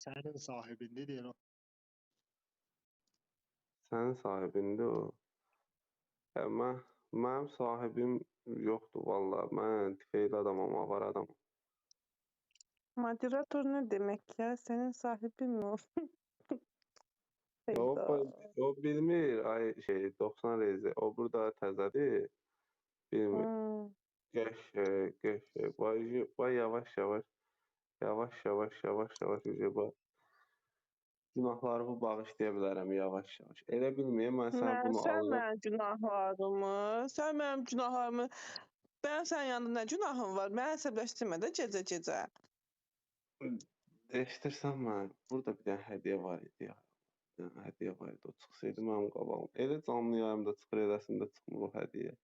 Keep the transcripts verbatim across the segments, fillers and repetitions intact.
Sənin sahibindi deyir o. Sənin sahibindir o. Hə, mən, mənim sahibim yoxdur valla. Mən tüfeyli adamam, avar adamam. Moderator ne demek ya? Senin sahibin mi o? O, Hayda. o bilmir, ay şey doksan rezi. O burada təzədir. Bilmir. Hmm. Qəşəng, qəşəng. Vay, vay yavaş yavaş. Yavaş yavaş yavaş yavaş yavaş. Bax. Günahlarımı bağışlaya bilərəm yavaş yavaş. Elə bilməyəm, mən sənə Mən, bunu sən alıram. mənim günahlarımı, sən mənim günahlarımı, ben sənin yanında nə günahım var? Məni əsəbləşdirmə də gecə-gecə. Eşidirsən mən, burada bir dənə hədiyyə var idi ya. Bir dənə hədiyyə var idi, o çıxsaydı mənim qabağım. Elə canlı yayımda çıxır, eləsində çıxmır o hədiyyə.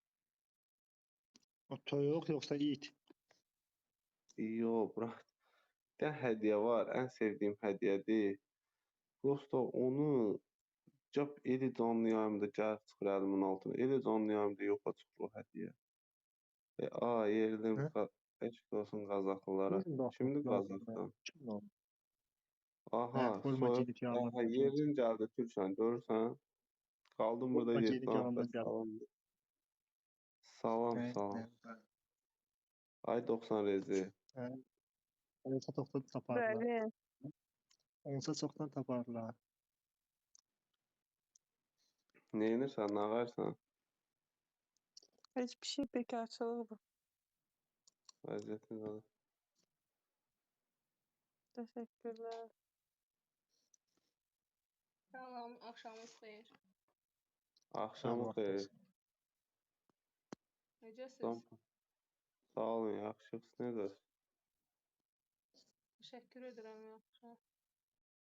O toyuq yoxsa it? Yox, bırak. Bir dənə hədiyyə var, ən sevdiyim hədiyyədir. Prosto onu cap eli canlı yayımda gəlib çıxır əlimin altına. Eli canlı yayımda yoxa çıxır o hədiyyə. E, a, yerlim, eşq olsun Qazaxlılara. Kimdir Qazaxdan? Aha, Qoyma soyuq. gedib yanına. Aha, yerin gəldi Türksən, görürsən? Qaldım burada Qoyma yeddi gedib nəfər yanından gəl. salam. Salam, salam. Ay doksan rezi. Olsa çoxdan taparlar. Bəli. Olsa çoxdan taparlar. Neyinirsən, nə ağarsan? Hiçbir şey bekarçılığı bu. Vəziyyətin qalı. Teşekkürler. Salam, axşamınız xeyir. Axşamı Allah xeyir. olsun. Necəsiz? Sağ olun, yaxşısınız. Necəsiz? Təşəkkür edirəm, yaxşı.